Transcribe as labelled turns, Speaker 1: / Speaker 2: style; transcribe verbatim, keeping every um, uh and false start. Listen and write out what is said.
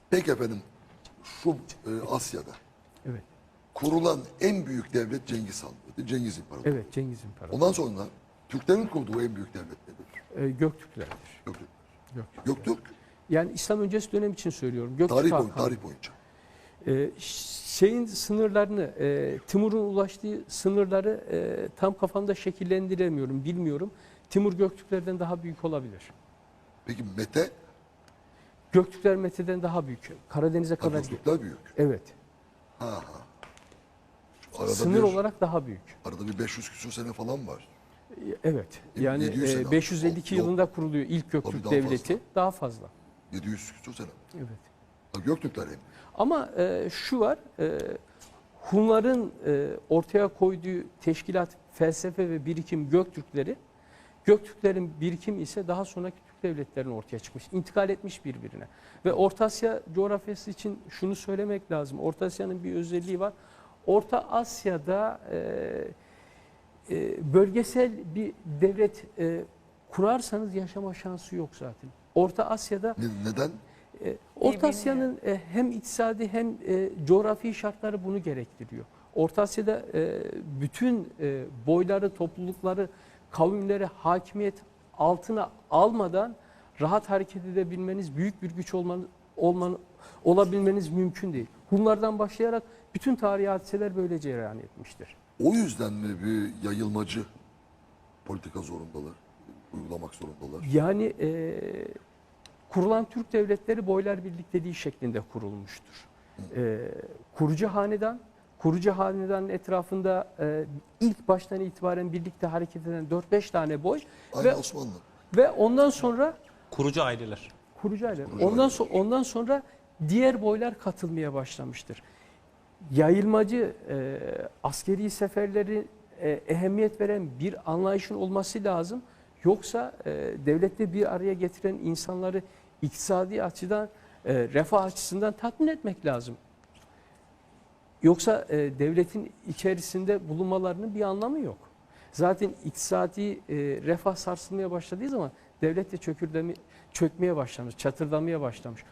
Speaker 1: Peki efendim, şu e, Asya'da
Speaker 2: Evet.
Speaker 1: kurulan en büyük devlet Cengiz Han'dı. Cengiz İmparatorluğu.
Speaker 2: Evet, Cengiz İmparatorluğu.
Speaker 1: Ondan sonra Türklerin kurduğu en büyük devlet nedir?
Speaker 2: Ee, Göktürklerdir.
Speaker 1: Göktürk.
Speaker 2: Göktürk.
Speaker 1: Göktürk,
Speaker 2: Yani İslam öncesi dönem için söylüyorum. Göktürk
Speaker 1: tarih, boy,
Speaker 2: Hakanı.
Speaker 1: tarih boyunca.
Speaker 2: Ee, şeyin sınırlarını, e, Timur'un ulaştığı sınırları e, tam kafamda şekillendiremiyorum, bilmiyorum. Timur Göktürklerden daha büyük olabilir.
Speaker 1: Peki Mete,
Speaker 2: Göktürkler Mete'den daha büyük. Karadeniz'e kadar.
Speaker 1: Göktürkler büyük.
Speaker 2: Evet.
Speaker 1: Ha ha. Arada
Speaker 2: Sınır
Speaker 1: bir,
Speaker 2: olarak daha büyük.
Speaker 1: arada bir beş yüz küsur sene falan var.
Speaker 2: Evet. Yani
Speaker 1: yedi yüz sene
Speaker 2: e, beş yüz elli iki
Speaker 1: Yok.
Speaker 2: yılında kuruluyor ilk Göktürk
Speaker 1: daha
Speaker 2: Devleti.
Speaker 1: fazla.
Speaker 2: Daha fazla.
Speaker 1: yedi yüz küsur sene.
Speaker 2: Evet.
Speaker 1: Ha, Göktürkler en büyük.
Speaker 2: Ama e, şu var, e, Hunların e, ortaya koyduğu teşkilat, felsefe ve birikim Göktürkleri, Göktürklerin birikimi ise daha sonraki Türk devletlerinin ortaya çıkmış, intikal etmiş birbirine. Ve Orta Asya coğrafyası için şunu söylemek lazım, Orta Asya'nın bir özelliği var. Orta Asya'da e, e, bölgesel bir devlet e, kurarsanız yaşama şansı yok zaten. Orta Asya'da
Speaker 1: Ne- Neden?
Speaker 2: e, Orta Asya'nın e, hem iktisadi hem e, coğrafi şartları bunu gerektiriyor. Orta Asya'da e, bütün e, boyları, toplulukları, kavimleri hakimiyet altına almadan rahat hareket edebilmeniz, büyük bir güç olmanız, olmanı, olabilmeniz mümkün değil. Hunlardan başlayarak bütün tarihi hadiseler böyle cereyan etmiştir.
Speaker 1: O yüzden mi bir yayılmacı politika zorundalar, uygulamak zorundalar?
Speaker 2: Yani e, kurulan Türk devletleri boylar birlikteliği şeklinde kurulmuştur. E, kurucu hanedan, kurucu hanedanın etrafında e, ilk baştan itibaren birlikte hareket eden dört beş tane boy
Speaker 1: Aynı
Speaker 2: ve
Speaker 1: Osmanlı.
Speaker 2: ve ondan sonra
Speaker 3: Kurucu aileler.
Speaker 2: kurucu aile.
Speaker 1: Kurucu
Speaker 2: Ondan
Speaker 1: aileler.
Speaker 2: sonra ondan sonra diğer boylar katılmaya başlamıştır. Yayılmacı e, askeri seferleri e, ehemmiyet veren bir anlayışın olması lazım. Yoksa e, devlette bir araya getiren insanları iktisadi açıdan, e, refah açısından tatmin etmek lazım. Yoksa e, devletin içerisinde bulunmalarının bir anlamı yok. Zaten iktisadi e, refah sarsılmaya başladığı zaman devlet de çökürdemi, çökmeye başlamış, çatırdamaya başlamış.